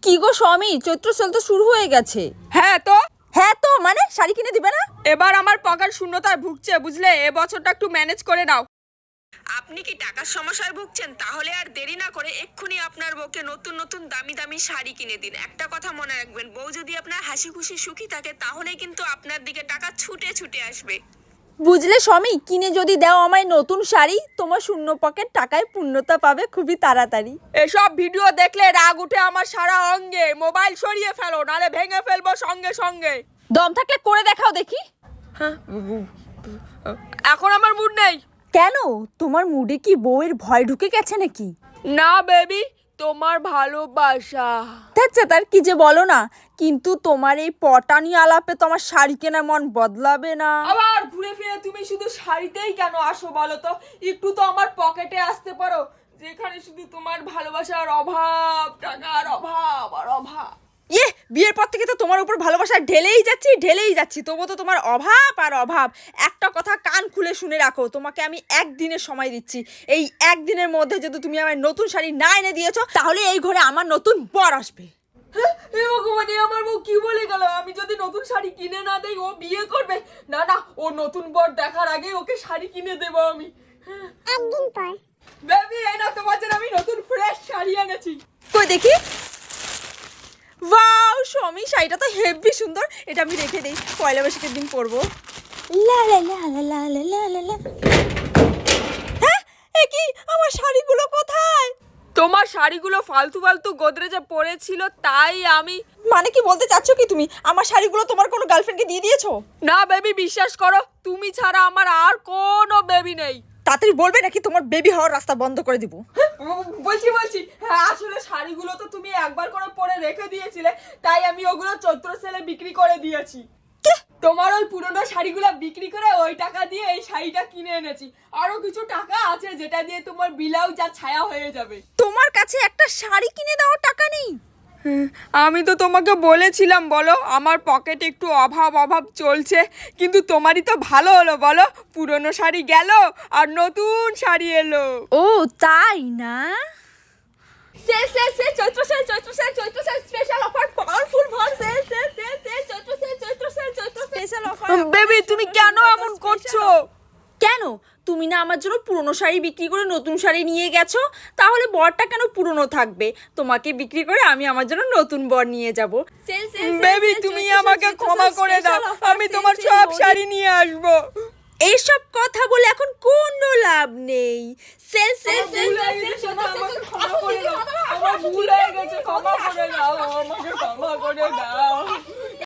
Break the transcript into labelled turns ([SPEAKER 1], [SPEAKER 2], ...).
[SPEAKER 1] কি গো স্বামী, চৈত্র সেল তো শুরু হয়ে গেছে।
[SPEAKER 2] হ্যাঁ তো
[SPEAKER 1] মানে শাড়ি কিনে দিবে না?
[SPEAKER 2] এবার আমার পকেট শূন্যতায় ভুগছে বুঝলে, এবছরটা একটু ম্যানেজ করে নাও। আপনি কি টাকার সমস্যায় ভুগছেন? তাহলে আর দেরি না করে এক্ষুনি আপনার বউকে নতুন নতুন দামি দামি শাড়ি কিনে দিন। একটা কথা মনে রাখবেন, বউ যদি আপনার হাসি খুশি সুখী থাকে তাহলে কিন্তু আপনার দিকে টাকা ছুটে ছুটে আসবে।
[SPEAKER 1] বুঝলে স্বামী, কিনে যদি দাও আমায় নতুন শাড়ি, তোমার শূন্য পকেট টাকায় পূর্ণতা পাবে খুবই তাড়াতাড়ি।
[SPEAKER 2] এসব ভিডিও দেখলে রাগ উঠে আমার সারা অঙ্গে। মোবাইল সরিয়ে ফেলো, নালে ভেঙে ফেলবো সঙ্গে সঙ্গে।
[SPEAKER 1] দম থাকলে করে দেখাও দেখি।
[SPEAKER 2] হ্যাঁ, এখন আমার মুড নেই।
[SPEAKER 1] কেন, তোমার মুডে কি বউয়ের ভয় ঢুকে গেছে নাকি?
[SPEAKER 2] না বেবি, তোমার ভালোবাসা।
[SPEAKER 1] আচ্ছা, তার কি যে বলো না, কিন্তু তোমার এই পটানি আলাপে তো আমার শাড়ি কেনার মন বদলাবে না।
[SPEAKER 2] আবার ঘুরে ফিরে তুমি শুধু শাড়িতেই কেন আসো বলো তো? একটু তো আমার পকেটে আসতে পারো, যেখানে শুধু তোমার ভালোবাসার অভাব, টাকার অভাব আর অভাব।
[SPEAKER 1] বিয়ের পর থেকে তো তোমার উপর ভালোবাসা ঢেলেই যাচ্ছি, তবু তো তোমার অভাব আর অভাব। একটা কথা কান খুলে শুনে রাখো, তোমাকে আমি একদিনের সময় দিচ্ছি। এই একদিনের মধ্যে যদি তুমি আমার নতুন শাড়ি না এনে দিয়েছো, তাহলে এই ঘরে আমার নতুন বর আসবে।
[SPEAKER 2] ভগবানে, আমার বউ কি বলে গেল? আমি যদি নতুন শাড়ি কিনে না দেই ও বিয়ে করবে? না না, ও নতুন বর দেখার আগে ওকে শাড়ি কিনে দেবো আমি।
[SPEAKER 3] একদিন পর
[SPEAKER 2] বেবি, এই না তোমার জন্য আমি নতুন ফ্রেশ শাড়ি এনেছি।
[SPEAKER 1] কই দেখি। ওয়াও স্বামী, শাড়িটা তো হেভি সুন্দর। এটা আমি রেখে দেই, পয়লা বৈশাখের দিন পরবো। লা লা লা লা লা লা লা লা। হ্যাঁ, এ কি, আমার শাড়িগুলো কোথায়?
[SPEAKER 2] তোমার শাড়িগুলো ফালতু ফালতু গোদরেজে পড়েছিল, তাই আমি।
[SPEAKER 1] মানে কি বলতে চাচ্ছ কি তুমি? আমার শাড়িগুলো তোমার কোনো গার্লফ্রেন্ডকে দিয়ে দিয়েছো?
[SPEAKER 2] না বেবি, বিশ্বাস করো, তুমি ছাড়া আমার আর কোনো বেবি নেই।
[SPEAKER 1] তাড়াতাড়ি বলবে নাকি তোমার বেবি হওয়ার রাস্তা বন্ধ করে দিব।
[SPEAKER 2] বলছি হ্যাঁ, আসলে শাড়িগুলো তো তুমি একবার করে পরে রেখে দিয়েছিলে, তাই আমি ওগুলো চৈত্র সেলে বিক্রি করে দিয়েছি। তোমার ওই পুরনো শাড়িগুলো বিক্রি করে ওই টাকা দিয়ে এই শাড়িটা কিনে এনেছি। আরো কিছু টাকা আছে যেটা দিয়ে তোমার ব্লাউজ আর ছায়া হয়ে যাবে।
[SPEAKER 1] তোমার কাছে একটা শাড়ি কিনে দেওয়ার টাকা নেই?
[SPEAKER 2] আমি তো তোমাকে বলেছিলাম বলো, আমার পকেটে একটু অভাব চলছে, কিন্তু তোমারই তো ভালো হলো বলো, পুরনো শাড়ি গেল আর নতুন শাড়ি এলো।
[SPEAKER 1] ও তাই না?
[SPEAKER 2] Chaitra sale special offer, powerful for sale Chaitra sale
[SPEAKER 1] special offer.
[SPEAKER 2] Baby, তুমি কেন এমন করছো?
[SPEAKER 1] কেন, তুমি না আমার জন্য পুরনো শাড়ি বিক্রি করে নতুন শাড়ি নিয়ে গেছো, তাহলে বরটা কেন পুরনো থাকবে? তোমাকে বিক্রি করে আমি আমার জন্য নতুন বর নিয়ে যাব।
[SPEAKER 2] বেবি, তুমি আমাকে ক্ষমা করে দাও, আমি তোমার সব শাড়ি নিয়ে আসবো।
[SPEAKER 1] এইসব কথা বলে এখন কোনো লাভ নেই। সেল সেল সেল
[SPEAKER 2] আমার ভুল হয়ে গেছে, ক্ষমা করে দাও, আমাকে ক্ষমা করে দাও।